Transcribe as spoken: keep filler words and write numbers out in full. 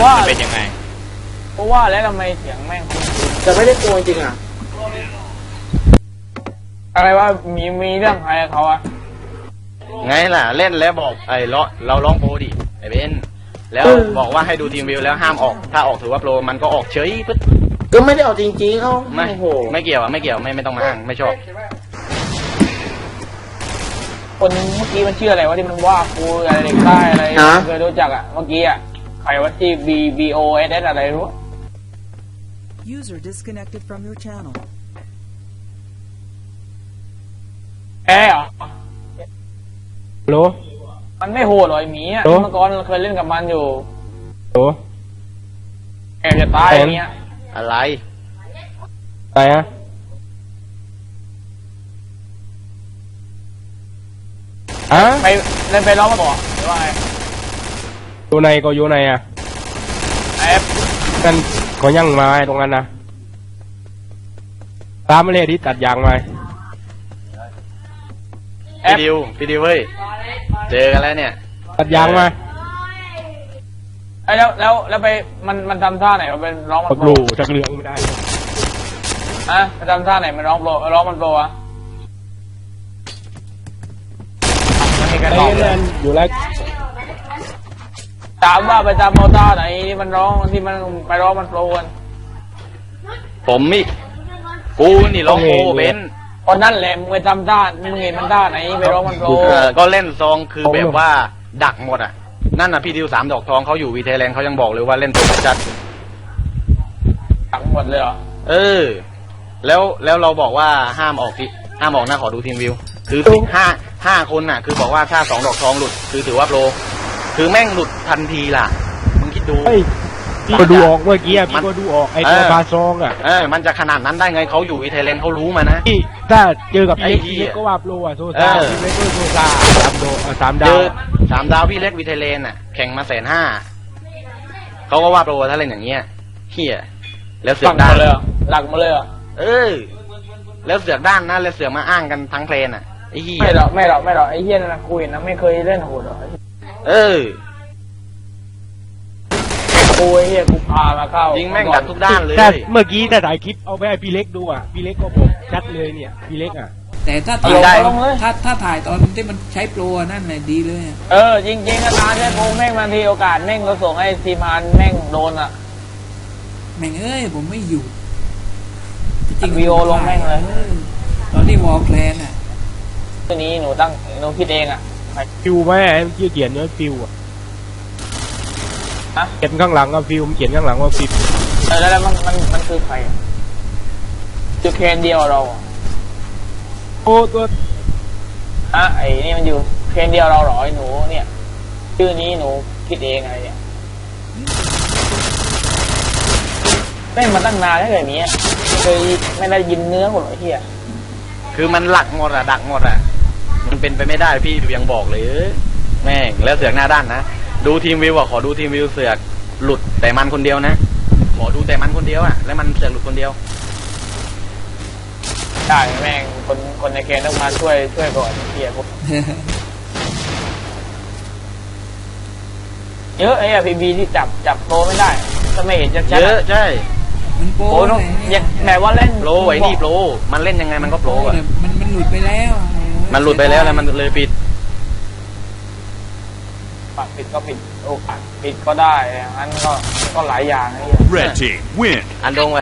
ว่ามันเป็นยังไงเพราะว่าแล้วทำไมเสียงแม่งจะไม่ได้กลัวจริงอ่ะอะไรว่ามีมีเรื่องอะไรเขาอะไงล่ะเล่นแล้วบอกไอ้เราเราร้องโปรดิไอ้เบนแล้วบอกว่าให้ดูทีมวิวแล้วห้ามออกถ้าออกถือว่าโปรมันก็ออกเฉยปึ๊ดก็ไม่ได้ออกจริงๆเขาไม่ไม่เกี่ยวอ่ะไม่เกี่ยวไม่ไม่ต้องมาอ้างไม่ชอบคนเมื่อกี้มันชื่ออะไรวะที่มันว่ากูอะไรเด็กใต้อะไรเคยรู้จักอะเมื่อกี้อะใครว่าที่ B B O S S อะไรรู้ User disconnected from your channel แอเหรอโหลมันไม่โหดหรอไอหมีอ่ะเมื่อก่อนเราเคยเล่นกับมันอยู่โหลแกจะตายอย่างเงี้ยอะไรอะไรอะฮะไปเล่นไปร้องมาบอกหรือว่าไงอยู่ในก็อยู่ในอะแอปนั่นก็ยั่งมาตรงนั้นนะตามมาเลยที่ตัดยางมาพี่ดิวพี่ดิวเว้ยเจอกันแล้วเนี่ยตัดยางมาไอ้แล้วแล้วแล้วไปมันมันทำท่าไหนมันเป็นร้องมันโปรจักเหลืองไม่ได้อะมันทำท่าไหนมันร้องโปรร้องมันโปรอะมันมีการร้องเลยอยู่แล้วถามว่าไปทำโมท่าไหนที่มันร้องที่มันไปร้องมันโปรกันผมนี่กูนี่ร้องโปรเบนคนนั่นแหละมึงไปทำท่ามึงเห็นมันท่าไหนไปร้องมันโปรก็เล่นซองคือแบบว่าดักหมดอ่ะนั่นน่ะพี่ดิวสามดอกทองเขาอยู่วีเทแลนด์เขายังบอกเลยว่าเล่นโปรจัดดักหมดเลยเหรอเออแล้วแล้วเราบอกว่าห้ามออกที่ห้ามออกนะขอดูทีมวิวคือห้าห้าคนน่ะคือบอกว่าถ้าสองดอกทองหลุดคือถือว่าโปรคือแม่งหลุดทันทีล่ะมึงคิดดูพี่ก็ดูออกเมื่อกี้พี่ก็ดูออกไอ้ตัวปลาซองอ่ะเออมันจะขนาดนั้นได้ไงเขาอยู่วีเทแลนด์เขารู้มานะพี่ถ้าเจอกับพี่เล็กพี่เล็กก็ว่าโปรอ่ะโซซาพี่เล็กก็โซซาสามดาวสามดาวสามดาวพี่เล็กวีเทแลนด์อ่ะแข่งมาแสนห้าเขาก็ว่าโปรถ้าเล่นอย่างเงี้ยเฮียแล้วเสือกด้านเลยหลักมาเลยอ่ะเออแล้วเสือกด้านนะแล้วเสือกมาอ้างกันทั้งเพลนอ่ะไอ้เฮียไม่หรอกไม่หรอกไม่หรอกไอ้เฮียนะคุยนะไม่เคยเล่นโหดหรอกเออกูไอ้เฮียกูพามาเข้ายิงแม่งดักทุกด้านเลยเมื่อกี้แต่ถ่ายคลิปเอาไปให้พี่เล็กดูอ่ะพี่เล็กก็บอกชัดเลยเนี่ยพี่เล็กอ่ะแต่ถ้าถ่ายถ้าถ้าถ่ายตอนที่มันใช้โปรนั่นแหละดีเลยเออจริงๆนะตาใช้โปรแม่งบางทีโอกาสแม่งก็ส่งให้ทีมานแม่งโดนอ่ะแม่งเอ้ยผมไม่อยู่จริงวีโอลงแม่งเลยตอนที่วอลแพลนอ่ะตัวนี้หนูตั้งหนูคิดเองอ่ะฟิวไหมชื่อเขียนว่าฟิวอ่ะเขียนข้างหลังว่าฟิวเขียนข้างหลังว่าฟิวเออแล้วมันมันมันคือใครจุดเคนเดียวเราโอ้ตัวอ่ะไอ้นี่มันอยู่เคนเดียวเราหรอไอ้หนูเนี่ยชื่อนี้หนูคิดเองอะไรเนี่ยเล่นมาตั้งนานแล้วแบบนี้ไม่เคยไม่ได้ยินเนื้อหมดเลยเฮียคือมันหลักหมดอะดักหมดอะมันเป็นไปไม่ได้พี่ยังบอกเลยแม่งแล้วเสือกหน้าด้านนะดูทีมวิวอะขอดูทีมวิวเสือกหลุดแต่มันคนเดียวนะขอดูแต่มันคนเดียวอะแล้วมันเสือกหลุดคนเดียวได้แม่งคนคนในเกมต้องมาช่วยช่วยก่อนเฮียพวกเยอะไอ้พีบีที่จับจับโปรไม่ได้ถ้าไม่เห็นจะเยอะใช่มันโปรแบบว่าเล่นโปรไอ้นี่โปรมันเล่นยังไงมันก็โปรอะมันมันหลุดไปแล้วมันหลุดไปแล้วแล้วมันเลยปิดปัดปิดก็ปิดโอ้ปัดปิดก็ได้อย่างนั้นก็ก็หลายอย่างไอ้เหี้ย Red Team win อันดง